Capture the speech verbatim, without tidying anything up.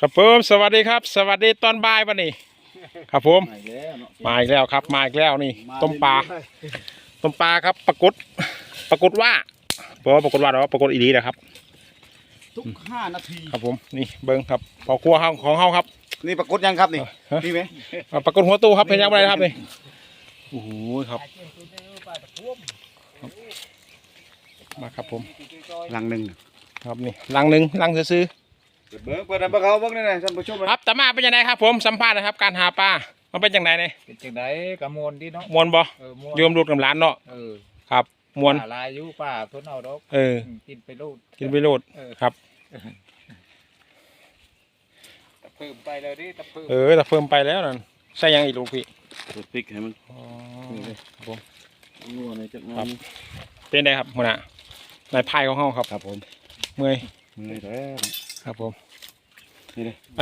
ครับผมสวัสดีครับสวัสดีตอนบ่ายวันนี้ครับผมมาอีกแล้วครับมาอีกแล้วนี่ต้มปลาต้มปลาครับปรากฏปรากฏว่าเพราะว่าปรากฏว่าเราปรากฏอีดีนะครับทุกห้านาทีครับผมนี่เบิ้งครับพอครัวของเฮาครับนี่ปรากฏยังครับนี่นี่ไหมปรากฏหัวตู้ครับเพลงยังไม่ได้ครับนี่โอ้โหครับมาครับผมลังหนึ่งครับนี่ลังหนึ่งลังซื้อเบิ้งเปิดน้ำปลาเขาเบิ้งนี่นะท่านผู้ชมครับแต่มาเป็นยังไงครับผมสัมภาษณ์นะครับการหาปลามันเป็นยังไงเนี่ยเป็นจังไดกะมวลดีเนาะมวนบ่เออมวลโยมรูดกับหลานเนาะเออครับมวนป่าลายอยู่ป่าเพิ่นเอาดอกเออกินไปโลดกินไปโลดครับตะเพิ่มไปเลยดิตะเพิ่มเออแต่เพิ่มไปแล้วนั่นใส่ยังอีกลูกพี่พริกให้มันอ๋อครับผมนัวในจักรครับเป็นไงครับหัวหน้านายพายของเฮาครับครับผมเมื่อยมือแล้วครับผมนี่เลย